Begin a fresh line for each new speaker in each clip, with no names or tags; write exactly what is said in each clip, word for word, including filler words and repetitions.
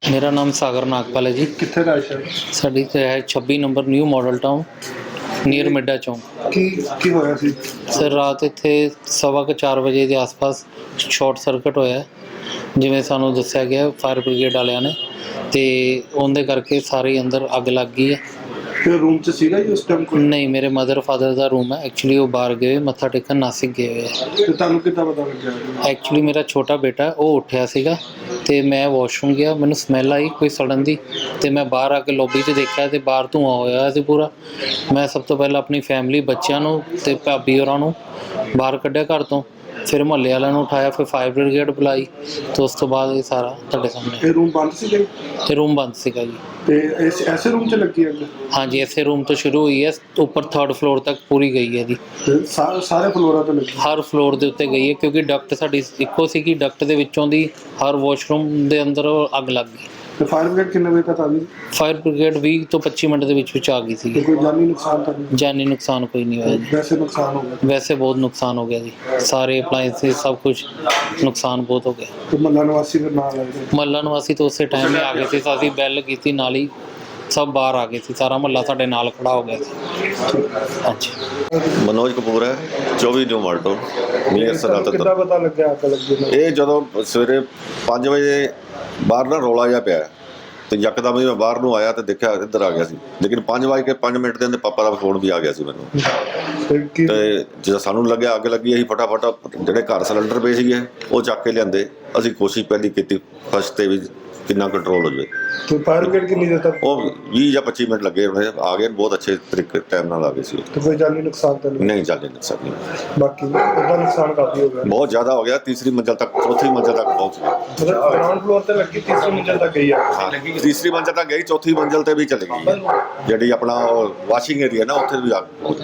मेरा नाम सागर नागपाल है जी।
कित्थे दा शहर
साडी ते है छब्बी number new model town near Midda Chowk.
ਕੀ ਕੀ ਹੋਇਆ ਸੀ?
ਸਰ ਰਾਤ ਇੱਥੇ ਸਵਾ ਕੁ ਚਾਰ ਵਜੇ ਦੇ ਆਸ-ਪਾਸ ਸ਼ਾਰਟ ਸਰਕਟ ਹੋਇਆ, ਜਿਵੇਂ ਸਾਨੂੰ ਦੱਸਿਆ ਗਿਆ ਫਾਇਰ ਬ੍ਰਿਗੇਡ ਵਾਲਿਆਂ ਨੇ, ਤੇ ਉਹਦੇ ਕਰਕੇ ਸਾਰੇ ਅੰਦਰ ਅੱਗ ਲੱਗ ਗਈ ਹੈ।
ਤੇ ਰੂਮ 'ਚ ਸੀਗਾ ਜੀ ਉਸ ਟਾਈਮ ਕੋਈ?
ਨਹੀਂ, ਮੇਰੇ ਮਦਰ ਫਾਦਰ ਦਾ ਰੂਮ ਹੈ। ਐਕਚੁਅਲੀ ਉਹ ਬਾਹਰ ਗਏ ਮੱਥਾ ਟੇਕਣ, ਨਾਸਿਕ ਗਏ ਹੋਏ ਆ।
ਤੇ ਤੁਹਾਨੂੰ ਕਿੱਦਾਂ ਪਤਾ ਲੱਗਿਆ?
ਐਕਚੁਅਲੀ ਮੇਰਾ ਛੋਟਾ ਬੇਟਾ ਉਹ ਉੱਠਿਆ ਸੀਗਾ ਤੇ ਮੈਂ ਵਾਸ਼ਰੂਮ ਗਿਆ, ਮੈਨੂੰ ਸਮੈਲ ਆਈ ਕੋਈ ਸੜਨ ਦੀ, ਤੇ ਮੈਂ ਬਾਹਰ ਆ ਕੇ ਲੌਬੀ 'ਚ ਦੇਖਿਆ ਤੇ ਬਾਹਰ ਧੂੰਆਂ ਹੋਇਆ ਸੀ ਪੂਰਾ। ਮੈਂ ਸਭ ਤੋਂ ਪਹਿਲਾਂ ਆਪਣੀ ਫੈਮਿਲੀ, ਬੱਚਿਆਂ ਨੂੰ ਤੇ ਭਾਬੀ ਹੋਰਾਂ ਨੂੰ ਬਾਹਰ ਕੱਢਿਆ ਘਰ ਤੋਂ, ਫਿਰ ਮੁਹੱਲੇ ਵਾਲਿਆਂ ਨੂੰ ਉਠਾਇਆ, ਫਿਰ ਫਾਇਰ ਬ੍ਰਿਗੇਡ ਬੁਲਾਈ, ਤੇ ਉਸ ਤੋਂ ਬਾਅਦ ਇਹ ਸਾਰਾ ਤੁਹਾਡੇ ਸਾਹਮਣੇ।
ਇਹ ਰੂਮ ਬੰਦ ਸੀਗਾ?
ਇਹ ਰੂਮ ਬੰਦ ਸੀਗਾ ਜੀ।
ਤੇ ਇਸ ਐਸੇ ਰੂਮ 'ਚ ਲੱਗੀ ਅੱਗ?
ਹਾਂਜੀ, ਇਸੇ ਰੂਮ ਤੋਂ ਸ਼ੁਰੂ ਹੋਈ ਹੈ, ਉੱਪਰ ਥਰਡ ਫਲੋਰ ਤੱਕ ਪੂਰੀ ਗਈ ਹੈ ਜੀ।
ਤੇ ਸਾ- ਸਾਰੇ ਫਲੋਰਾਂ ਤੋਂ ਲੱਗੀ?
ਹਰ ਫਲੋਰ ਦੇ ਉੱਤੇ ਗਈ ਹੈ, ਕਿਉਂਕਿ ਡਕਟ ਸਾਡੀ ਇੱਕੋ ਸੀ ਕਿ ਡਕਟ ਦੇ ਵਿੱਚੋਂ ਦੀ ਹਰ ਵਾਸ਼ਰੂਮ ਦੇ ਅੰਦਰ ਅੱਗ ਲੱਗ ਗਈ।
ਤੇ ਫਾਇਰ ਬ੍ਰਿਗੇਡ ਕਿੰਨੇ ਵਜੇ ਤੱਕ ਆ ਗਈ?
ਫਾਇਰ ਬ੍ਰਿਗੇਡ ਵੀਹ ਤੋਂ ਪੱਚੀ ਮਿੰਟ ਦੇ ਵਿੱਚ ਵਿੱਚ ਆ ਗਈ ਸੀ।
ਤੇ ਕੋਈ ਜਾਨੀ ਨੁਕਸਾਨ ਤਾਂ ਨਹੀਂ?
ਜਾਨੀ ਨੁਕਸਾਨ ਕੋਈ ਨਹੀਂ ਹੋਇਆ ਜੀ।
ਵੈਸੇ ਨੁਕਸਾਨ ਹੋ ਗਿਆ?
ਵੈਸੇ ਬਹੁਤ ਨੁਕਸਾਨ ਹੋ ਗਿਆ ਜੀ, ਸਾਰੇ ਅਪਲਾਈਐਂਸਿਸ ਸਭ ਕੁਝ ਨੁਕਸਾਨ ਬਹੁਤ ਹੋ ਗਿਆ।
ਤੇ ਮਹੱਲਾ ਨਿਵਾਸੀ ਫਿਰ ਨਾਲ ਆਏ ਨੇ?
ਮਹੱਲਾ ਨਿਵਾਸੀ ਤਾਂ ਉਸੇ ਟਾਈਮ ਹੀ ਆ ਗਏ ਸੀ, ਅਸੀਂ ਬੈਲ ਕੀਤੀ ਨਾਲ ਹੀ ਸਭ ਬਾਹਰ ਆ ਗਏ ਸੀ, ਸਾਰਾ ਮਹੱਲਾ ਸਾਡੇ ਨਾਲ ਖੜਾ ਹੋ ਗਿਆ ਸੀ। ਹਾਂਜੀ।
ਮਨੋਜ ਕਪੂਰ ਹੈ, ਚੌਵੀ ਨਿਊ ਮਾਲਟੋ ਨੀਅਰ ਸਨਾਤਨ।
ਕਿੱਦਾਂ ਪਤਾ ਲੱਗਿਆ ਅੱਗ ਲੱਗੀ ਨੂੰ?
ਇਹ ਜਦੋਂ ਸਵੇਰੇ ਪੰਜ ਵਜੇ ਬਾਹਰ ਨਾ ਰੌਲਾ ਜਿਹਾ ਪਿਆ, ਤੇ ਯਕਦਮ ਹੀ ਮੈਂ ਬਾਹਰ ਨੂੰ ਆਇਆ ਤੇ ਦੇਖਿਆ ਇੱਧਰ ਆ ਗਿਆ ਸੀ, ਲੇਕਿਨ ਪੰਜ ਵਜੇ ਕੇ ਪੰਜ ਮਿੰਟ ਦੇ ਅੰਦਰ ਪਾਪਾ ਦਾ ਫੋਨ ਵੀ ਆ ਗਿਆ ਸੀ ਮੈਨੂੰ।
ਤੇ ਕੀ
ਤੇ ਜਦੋਂ ਸਾਨੂੰ ਲੱਗਿਆ ਅੱਗ ਲੱਗੀ, ਅਸੀਂ ਫਟਾਫਟ ਜਿਹੜੇ ਘਰ ਸਿਲੰਡਰ ਪਏ ਸੀਗੇ ਉਹ ਚੱਕ ਕੇ ਲਿਆਂਦੇ। ਅਸੀਂ ਕੋਸ਼ਿਸ਼ ਪਹਿਲੀ ਕੀਤੀ ਫਸਟ ਤੇ ਵੀ ਕਿੰਨਾ ਕੰਟਰੋਲ ਹੋ ਜਾਵੇ।
ਤੇ ਫਾਇਰ ਬ੍ਰਿਗੇਡ ਕਿੰਨੀ ਦੇਰ ਤੱਕ?
ਉਹ ਵੀਹ ਜਾਂ ਪੱਚੀ ਮਿੰਟ ਲੱਗੇ, ਉਹਨੇ ਆ ਗਏ, ਬਹੁਤ ਅੱਛੇ ਤਰੀਕੇ ਟਾਈਮ ਨਾਲ ਆ ਗਏ ਸੀ।
ਤੇ ਕੋਈ ਜਾਨੀ ਨੁਕਸਾਨ ਤਾਂ ਨਹੀਂ?
ਨਹੀਂ ਚੱਲ ਨਹੀਂ ਸਕਦੀ,
ਬਾਕੀ ਉਹਦਾ ਨੁਕਸਾਨ ਕਾਫੀ ਹੋ ਗਿਆ?
ਬਹੁਤ ਜ਼ਿਆਦਾ ਹੋ ਗਿਆ। ਤੀਸਰੀ ਮੰਜ਼ਲ ਤੱਕ, ਚੌਥੀ ਮੰਜ਼ਲ ਤੱਕ ਪਹੁੰਚ ਗਈ।
ਮਤਲਬ ਗਰਾਊਂਡ ਫਲੋਰ ਤੇ ਲੱਗੀ, ਤੀਸਰੀ ਮੰਜ਼ਲ ਤੱਕ ਗਈ ਆ?
ਹਾਂ, ਤੀਸਰੀ ਮੰਜ਼ਲ ਤੱਕ ਗਈ, ਚੌਥੀ ਮੰਜ਼ਲ ਤੇ ਵੀ ਚਲੀ ਗਈ। ਜਿਹੜੀ ਆਪਣਾ ਵਾਸ਼ਿੰਗ ਏਰੀਆ ਨਾ, ਉੱਥੇ ਵੀ ਆ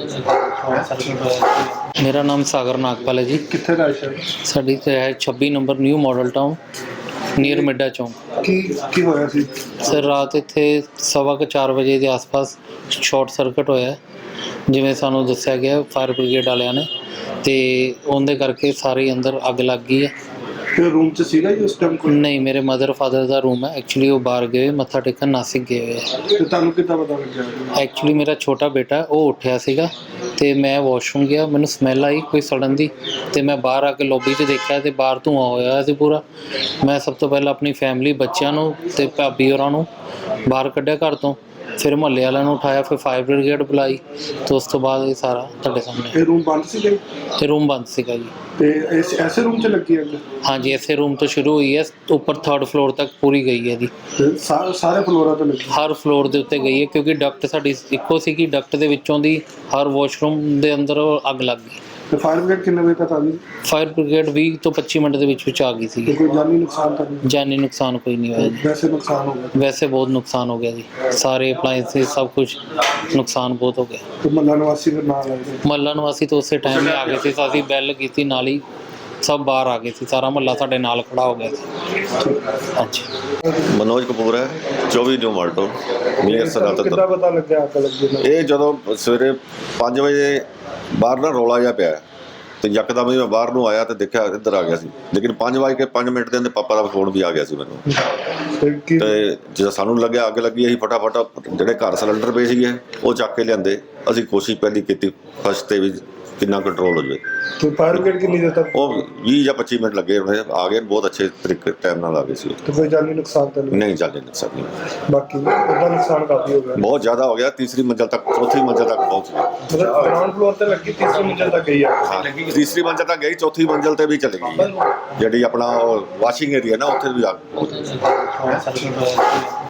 ਗਈ।
ਮੇਰਾ ਨਾਮ ਸਾਗਰ ਨਾਗਪਾਲ ਹੈ ਜੀ।
ਕਿੱਥੇ ਦਾ ਸ਼ਹਿਰ?
ਸਾਡੀ ਤੇ ਹੈ ਛੱਬੀ number new model town near Midda Chowk.
ਕੀ ਕੀ ਹੋਇਆ ਸੀ?
ਸਰ ਰਾਤ ਇੱਥੇ ਸਵਾ ਕੁ ਚਾਰ ਵਜੇ ਦੇ ਆਸ-ਪਾਸ ਸ਼ਾਰਟ ਸਰਕਟ ਹੋਇਆ, ਜਿਵੇਂ ਸਾਨੂੰ ਦੱਸਿਆ ਗਿਆ ਫਾਇਰ ਬ੍ਰਿਗੇਡ ਵਾਲਿਆਂ ਨੇ, ਤੇ ਉਹਦੇ ਕਰਕੇ ਸਾਰੇ ਅੰਦਰ ਅੱਗ ਲੱਗ ਗਈ ਹੈ।
ਤੇ ਰੂਮ 'ਚ ਸੀਗਾ ਜੀ ਉਸ ਟਾਈਮ ਕੋਈ?
ਨਹੀਂ, ਮੇਰੇ ਮਦਰ ਫਾਦਰ ਦਾ ਰੂਮ ਹੈ। ਐਕਚੁਅਲੀ ਉਹ ਬਾਹਰ ਗਏ ਮੱਥਾ ਟੇਕਣ, ਨਾਸਿਕ ਗਏ ਹੋਏ ਆ।
ਤੇ ਤੁਹਾਨੂੰ ਕਿੱਦਾਂ ਪਤਾ ਲੱਗਿਆ?
ਐਕਚੁਅਲੀ ਮੇਰਾ ਛੋਟਾ ਬੇਟਾ ਉਹ ਉੱਠਿਆ ਸੀਗਾ ਤੇ ਮੈਂ ਵਾਸ਼ਰੂਮ ਗਿਆ, ਮੈਨੂੰ ਸਮੈਲ ਆਈ ਕੋਈ ਸੜਨ ਦੀ, ਤੇ ਮੈਂ ਬਾਹਰ ਆ ਕੇ ਲੌਬੀ 'ਚ ਦੇਖਿਆ ਤੇ ਬਾਹਰ ਧੂੰਆਂ ਹੋਇਆ ਸੀ ਪੂਰਾ। ਮੈਂ ਸਭ ਤੋਂ ਪਹਿਲਾਂ ਆਪਣੀ ਫੈਮਿਲੀ, ਬੱਚਿਆਂ ਨੂੰ ਤੇ ਭਾਬੀ ਹੋਰਾਂ ਨੂੰ ਬਾਹਰ ਕੱਢਿਆ ਘਰ ਤੋਂ, ਫਿਰ ਮੁਹੱਲੇ ਵਾਲਿਆਂ ਨੂੰ ਉਠਾਇਆ, ਫਿਰ ਫਾਇਰ ਬ੍ਰਿਗੇਡ ਬੁਲਾਈ, ਤੇ ਉਸ ਤੋਂ ਬਾਅਦ ਇਹ ਸਾਰਾ ਤੁਹਾਡੇ ਸਾਹਮਣੇ।
ਇਹ ਰੂਮ ਬੰਦ ਸੀਗਾ?
ਇਹ ਰੂਮ ਬੰਦ ਸੀਗਾ ਜੀ।
ਤੇ ਇਸ ਐਸੇ ਰੂਮ 'ਚ ਲੱਗੀ ਅੱਗ?
ਹਾਂਜੀ, ਇਸੇ ਰੂਮ ਤੋਂ ਸ਼ੁਰੂ ਹੋਈ ਹੈ, ਉੱਪਰ ਥਰਡ ਫਲੋਰ ਤੱਕ ਪੂਰੀ ਗਈ ਹੈ ਜੀ।
ਤੇ ਸਾ- ਸਾਰੇ ਫਲੋਰਾਂ ਤੋਂ ਲੱਗੀ?
ਹਰ ਫਲੋਰ ਦੇ ਉੱਤੇ ਗਈ ਹੈ, ਕਿਉਂਕਿ ਡਕਟ ਸਾਡੀ ਇੱਕੋ ਸੀ ਕਿ ਡਕਟ ਦੇ ਵਿੱਚੋਂ ਦੀ ਹਰ ਵਾਸ਼ਰੂਮ ਦੇ ਅੰਦਰ ਅੱਗ ਲੱਗ ਗਈ।
ਤੇ ਫਾਇਰ ਬ੍ਰਿਗੇਡ ਕਿੰਨੇ ਵਜੇ ਤੱਕ ਆ ਗਈ?
ਫਾਇਰ ਬ੍ਰਿਗੇਡ ਵੀਹ ਤੋਂ ਪੱਚੀ ਮਿੰਟ ਦੇ ਵਿੱਚ ਵਿੱਚ ਆ ਗਈ
ਤੇ
ਸੀ।
ਕੋਈ ਜਾਨੀ ਨੁਕਸਾਨ ਤਾਂ ਨਹੀਂ?
ਜਾਨੀ ਨੁਕਸਾਨ ਕੋਈ ਨਹੀਂ ਹੋਇਆ ਜੀ।
ਵੈਸੇ ਨੁਕਸਾਨ ਹੋ ਗਿਆ?
ਵੈਸੇ ਬਹੁਤ ਨੁਕਸਾਨ ਹੋ ਗਿਆ ਜੀ, ਸਾਰੇ ਅਪਲਾਈਐਂਸਿਸ ਸਭ ਕੁਝ ਨੁਕਸਾਨ ਬਹੁਤ ਹੋ ਗਿਆ।
ਤੇ ਮਹੱਲਾ ਨਿਵਾਸੀ ਫਿਰ ਨਾਲ ਆਏ ਨੇ?
ਮਹੱਲਾ ਨਿਵਾਸੀ ਤਾਂ ਉਸੇ ਟਾਈਮ ਹੀ ਆ ਗਏ ਸੀ, ਅਸੀਂ ਬੈਲ ਕੀਤੀ ਨਾਲ ਹੀ ਸਭ ਬਾਹਰ ਆ ਗਏ ਸੀ, ਸਾਰਾ ਮਹੱਲਾ ਸਾਡੇ ਨਾਲ ਖੜਾ ਹੋ ਗਿਆ ਸੀ। ਹਾਂਜੀ।
ਮਨੋਜ ਕਪੂਰ ਹੈ, ਚੌਵੀ ਨਿਊ ਮਾਲਟੋ ਨੀਅਰ ਸਨਾਤਨ।
ਕਿੱਦਾਂ ਪਤਾ ਲੱਗਿਆ ਅੱਗ ਲੱਗੀ ਨੂੰ?
ਇਹ ਜਦੋਂ ਸਵੇਰੇ ਪੰਜ ਵਜੇ ਬਾਹਰ ਨਾ ਰੌਲਾ ਜਿਹਾ ਪਿਆ, ਤੇ ਯਕਦਮ ਹੀ ਮੈਂ ਬਾਹਰ ਨੂੰ ਆਇਆ ਤੇ ਦੇਖਿਆ ਇੱਧਰ ਆ ਗਿਆ ਸੀ, ਲੇਕਿਨ ਪੰਜ ਵਜੇ ਕੇ ਪੰਜ ਮਿੰਟ ਦੇ ਅੰਦਰ ਪਾਪਾ ਦਾ ਫੋਨ ਵੀ ਆ ਗਿਆ ਸੀ ਮੈਨੂੰ।
ਤੇ ਕੀ
ਤੇ ਜਦੋਂ ਸਾਨੂੰ ਲੱਗਿਆ ਅੱਗ ਲੱਗੀ, ਅਸੀਂ ਫਟਾਫਟ ਜਿਹੜੇ ਘਰ ਸਿਲੰਡਰ ਪਏ ਸੀਗੇ ਉਹ ਚੱਕ ਕੇ ਲਿਆਂਦੇ। ਅਸੀਂ ਕੋਸ਼ਿਸ਼ ਪਹਿਲੀ ਕੀਤੀ ਫਸਟ ਤੇ ਵੀ ਕਿੰਨਾ ਕੰਟਰੋਲ ਹੋ ਜਾਵੇ।
ਤੇ ਫਾਇਰ ਬ੍ਰਿਗੇਡ ਕਿੰਨੀ ਦੇਰ ਤੱਕ?
ਉਹ ਵੀਹ ਜਾਂ ਪੱਚੀ ਮਿੰਟ ਲੱਗੇ, ਉਹਨੇ ਆ ਗਏ, ਬਹੁਤ ਅੱਛੇ ਤਰੀਕੇ ਟਾਈਮ ਨਾਲ ਆ ਗਏ ਸੀ।
ਤੇ ਕੋਈ ਜਾਨੀ ਨੁਕਸਾਨ ਤਾਂ ਨਹੀਂ?
ਨਹੀਂ ਚੱਲ ਨਹੀਂ ਸਕਦੀ,
ਬਾਕੀ ਉਹਦਾ ਨੁਕਸਾਨ ਕਾਫੀ ਹੋ ਗਿਆ?
ਬਹੁਤ ਜ਼ਿਆਦਾ ਹੋ ਗਿਆ। ਤੀਸਰੀ ਮੰਜ਼ਲ ਤੱਕ, ਚੌਥੀ ਮੰਜ਼ਲ ਤੱਕ ਪਹੁੰਚ ਗਈ।
ਮਤਲਬ ਗਰਾਊਂਡ ਫਲੋਰ ਤੇ ਲੱਗੀ, ਤੀਸਰੀ ਮੰਜ਼ਲ ਤੱਕ ਗਈ ਆ?
ਹਾਂ, ਤੀਸਰੀ ਮੰਜ਼ਲ ਤੱਕ ਗਈ, ਚੌਥੀ ਮੰਜ਼ਲ ਤੇ ਵੀ ਚਲੀ ਗਈ। ਜਿਹੜੀ ਆਪਣਾ ਵਾਸ਼ਿੰਗ ਏਰੀਆ ਨਾ, ਉੱਥੇ ਵੀ ਆ ਗਈ।